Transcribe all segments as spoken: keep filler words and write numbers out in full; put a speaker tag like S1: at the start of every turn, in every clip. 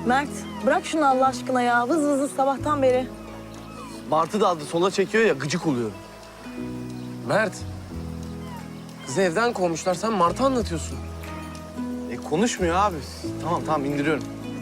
S1: Mert bırak şunu Allah aşkına ya. Vız vız vız sabahtan beri.
S2: Martı daldı sola çekiyor ya gıcık oluyorum.
S3: Mert. Kızı evden kovmuşlar. Sen Mart'ı anlatıyorsun.
S2: E konuşmuyor abi. Tamam tamam indiriyorum.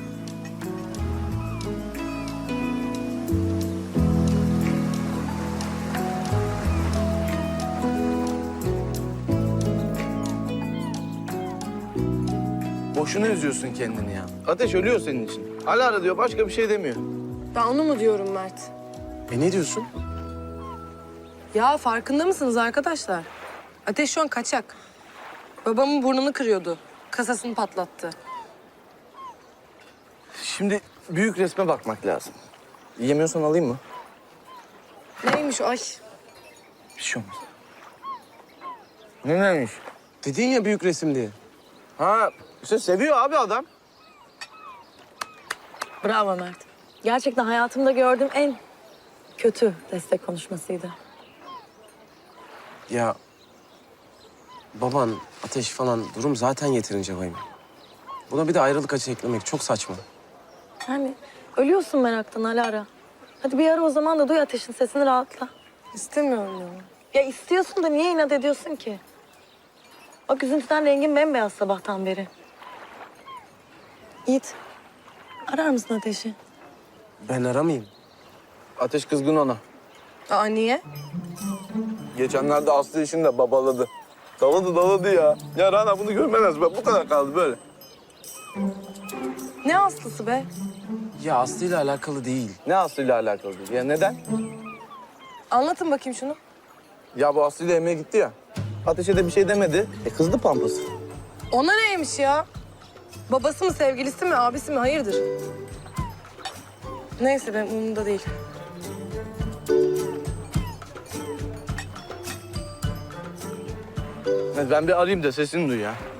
S2: Boşuna üzüyorsun kendini ya. Ateş ölüyor senin için. Alara diyor başka bir şey demiyor.
S4: Ben onu mu diyorum Mert?
S3: E ne diyorsun?
S4: Ya farkında mısınız arkadaşlar? Ateş şu an kaçak. Babamın burnunu kırıyordu. Kasasını patlattı.
S2: Şimdi büyük resme bakmak lazım. Yiyemiyorsan alayım mı?
S4: Neymiş o? Ay.
S2: Bir şey olmaz. Ne neymiş?
S3: Dedin ya büyük resim diye.
S2: Ha işte seviyor abi adam.
S1: Bravo Mert. Gerçekten hayatımda gördüğüm en kötü destek konuşmasıydı.
S3: Ya baban, Ateş falan durum zaten yeterince vahim. Buna bir de ayrılık acı eklemek çok saçma.
S1: Yani ölüyorsun meraktan Alara. Hadi bir ara o zaman da duy Ateş'in sesini rahatla.
S4: İstemiyorum ya.
S1: Ya istiyorsun da niye inat ediyorsun ki? Bak üzüntüden rengin bembeyaz sabahtan beri. Yiğit, arar mısın Ateş'i?
S3: Ben aramayayım.
S2: Ateş kızgın ona.
S4: Aa niye?
S2: Geçenlerde Aslı işinde babaladı. Daladı daladı ya. Ya Rana bunu görmemez. Bak bu kadar kaldı böyle.
S4: Ne Aslısı be?
S3: Ya Aslı ile alakalı değil.
S2: Ne Aslı ile alakalı değil? Ya neden?
S4: Anlatın bakayım şunu.
S2: Ya bu Aslı ile yemeğe gitti ya. Ateşe de bir şey demedi. E kızdı pampası.
S4: Ona neymiş ya? Babası mı, sevgilisi mi, abisi mi? Hayırdır? Neyse benim umurumda değil.
S2: Ben bir arayayım da sesini duy ya.